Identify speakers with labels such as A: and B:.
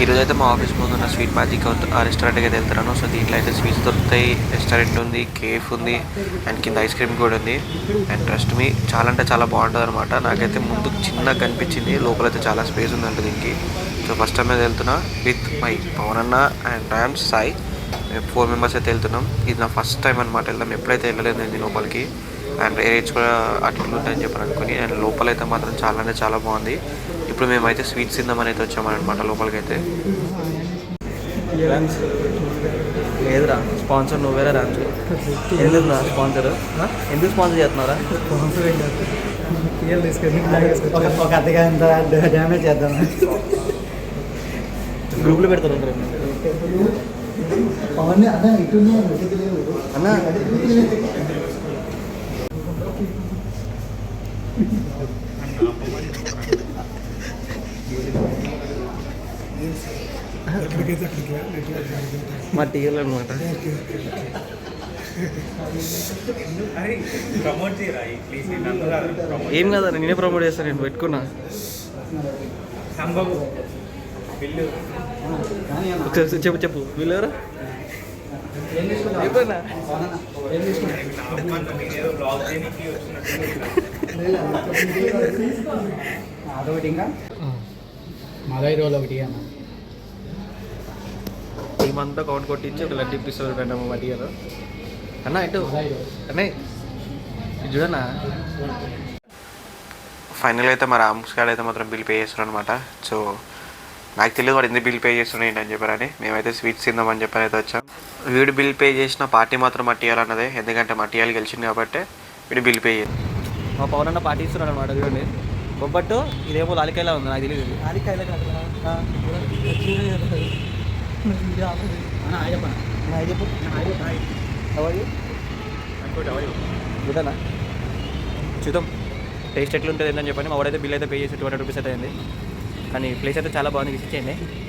A: ఈరోజు అయితే మా ఆఫీస్ ముందు ఉన్న స్వీట్ మ్యాజిక్ ఆ రెస్టారెంట్కి అయితే వెళ్తున్నాను. సో దీంట్లో అయితే స్వీట్స్ దొరుకుతాయి, రెస్టారెంట్ ఉంది, కేఫ్ ఉంది అండ్ కింద ఐస్ క్రీమ్ కూడా ఉంది. అండ్ ట్రస్ట్ మీ చాలా అంటే చాలా బాగుంటుంది అనమాట. నాకైతే ముందు చిన్నగా కనిపించింది, లోపలైతే చాలా స్పేస్ ఉందంట దీనికి. సో ఫస్ట్ టైం అయితే వెళ్తున్నా విత్ మై పవన్ అన్న అండ్ ఐఎమ్ సాయి. మేము 4 మెంబర్స్ అయితే వెళ్తున్నాం. ఇది నా ఫస్ట్ టైం అనమాట వెళ్దాం, ఎప్పుడైతే వెళ్ళలేదు నేను లోపలికి. అండ్ రేట్స్ కూడా అట్లు ఉంటాయని చెప్పని అనుకుని. అండ్ లోపలైతే మాత్రం చాలా అంటే చాలా బాగుంది. ఇప్పుడు మేమైతే స్వీట్స్ తిందామని అయితే వచ్చామన్నమాట లోపలికి అయితే. లేదురా స్పాన్సర్ నువ్వేరా రాజు. ఎందుకు నా స్పాన్సర్, ఎందుకు స్పాన్సర్ చేస్తున్నారా?
B: ఒక అద్దగా ఎంత డ్యామేజ్ చేద్దాం
A: గ్రూప్లో పెడతారు
B: అవన్నీ అన్న ఇటు
A: అన్న. మా టీవీలో అనమాట. ఏం కదా నేనే ప్రమోట్ చేస్తాను, నేను పెట్టుకున్నా. చెప్పు చెప్పు వీళ్ళు ఎవరు?
B: అదొకటి ఇంకా మలై రోల్ ఒకటి అన్న.
A: టీమంతా కౌంట్ కొట్టించి ఒక లడ్డు ఇప్పిస్తారు రెండమ్మ మా టీలో అన్న. ఇటు అన్న చూడన్నా. ఫైనల్ అయితే మా రామ్స్ గారు అయితే మాత్రం బిల్ పే చేస్తారు అనమాట. సో నాకు తెలియదు వాడు ఎందుకు బిల్ పే చేస్తున్నాడు ఏంటని చెప్పారని. మేమైతే స్వీట్స్ తిందామని చెప్పని అయితే వచ్చాం. వీడు బిల్ పే చేసిన పార్టీ మాత్రం మట్టియాలన్నదే, ఎందుకంటే మట్టియాలు గెలిచింది కాబట్టి వీడు బిల్ పే చేయాలి. మా పవన్ అన్న పార్టీ ఇస్తున్నాడు అనమాట. చూడండి బొబ్బట్టు, ఇదేమో లాలికాయలా ఉంది, నాకు తెలియదు. చూడనా చూద్దాం టేస్ట్ ఎట్లుంటుంది ఏంటని చెప్పని. మా వాడైతే బిల్ అయితే పే చేసి 200 రూపీస్ అయితే అయింది. కానీ ప్లేస్ అయితే చాలా బాగుంది, విజిట్ చేయండి.